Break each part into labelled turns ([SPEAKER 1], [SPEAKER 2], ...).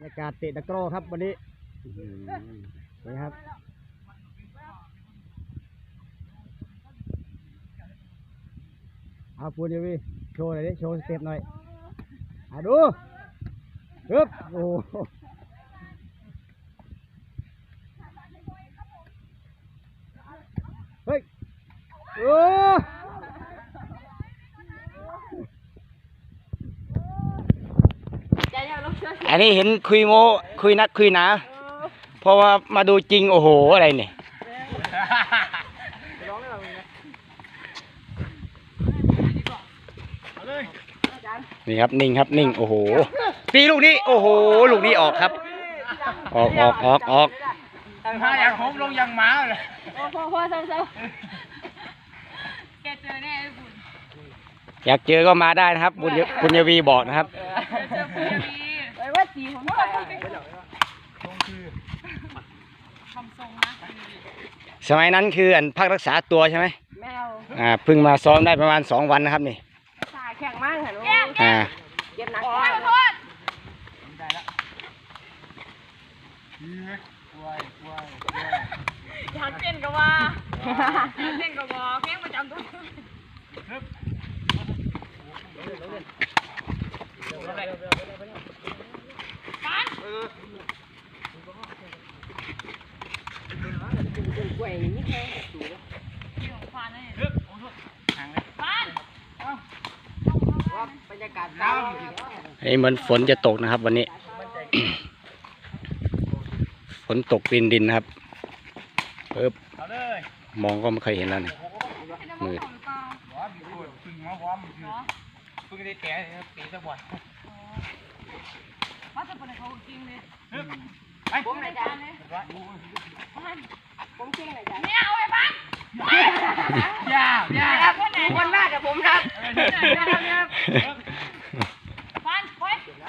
[SPEAKER 1] รายการเตะตะกร้อครับวันนี้นี่ครับเอาปูนยูวีโชว์หน่อยดิโชว์สเต็ปหน่อยดูฮึบโอ้เฮ้ยโอ้อันนี้เห็นคุยโมคุยนักคุยหนาเพราะว่ามาดูจริงโอ้โหอะไรเนี่ยนี่ครับนิ่งครับนิ่งโอ้โหตีลูกนี้โอ้โหลูกนี้ออกครับออก
[SPEAKER 2] ถ้าอยากโหมลงยังหมาเลย
[SPEAKER 3] พอเซาแกเจอแน่ไอ้บุญ
[SPEAKER 1] อยากเจอก็มาได้นะครับบุญยวีบอกนะครับ
[SPEAKER 3] เจอบุญยวีไอ้ว่าสีผมใส่
[SPEAKER 2] ทรงคือ
[SPEAKER 3] ทำทรงนะ
[SPEAKER 1] สมัยนั้นคืออันพักรักษาตัวใช่ไหม
[SPEAKER 3] แมว
[SPEAKER 1] เพิ่งมาซ้อมได้ประมาณ2 วันนะครับนี่
[SPEAKER 3] ขาแข็งมากค่ะลูกเย็บหนักโทษ
[SPEAKER 2] ได้แล้ว
[SPEAKER 3] อยากเต้นก็ว่าอยากเต้นก็บอกเพลงประจำตัวบรรยากาศ
[SPEAKER 1] เหมือนฝนจะตกนะครับวันนี้ ฝนตกดินนะครับมองก็ไม่เคยเห็นแล้วนี่มืด
[SPEAKER 2] เพิ่งได้แก่ตีสักวัน
[SPEAKER 3] มาจะเป็นเขาจริงเลย
[SPEAKER 2] ผมไหนจ้า
[SPEAKER 3] ผมจริงไหนจ้าเนี่ยเอาไปบ้าง
[SPEAKER 2] อย่า
[SPEAKER 3] คนมากกับผมครับบ้านไป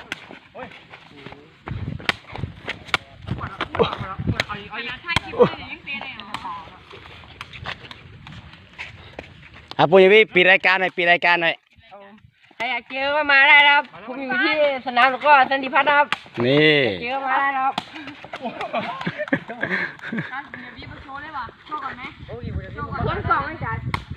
[SPEAKER 3] เอาอย่าถ่ายคลิปเลยยังเต้นเลย
[SPEAKER 1] ปุยวีปิดรายการหน่อย
[SPEAKER 3] ใครอยากเจอก็มาได้ครับผมอยู่ที่สนามแล้วก็สันติพัฒน์ครับ
[SPEAKER 1] นี่
[SPEAKER 3] เจอมาได้ครับการเดี๋ยวพี่มาโชว์ได้ป่ะโชว์ก่อนไหมคนสองเลยจ้ะ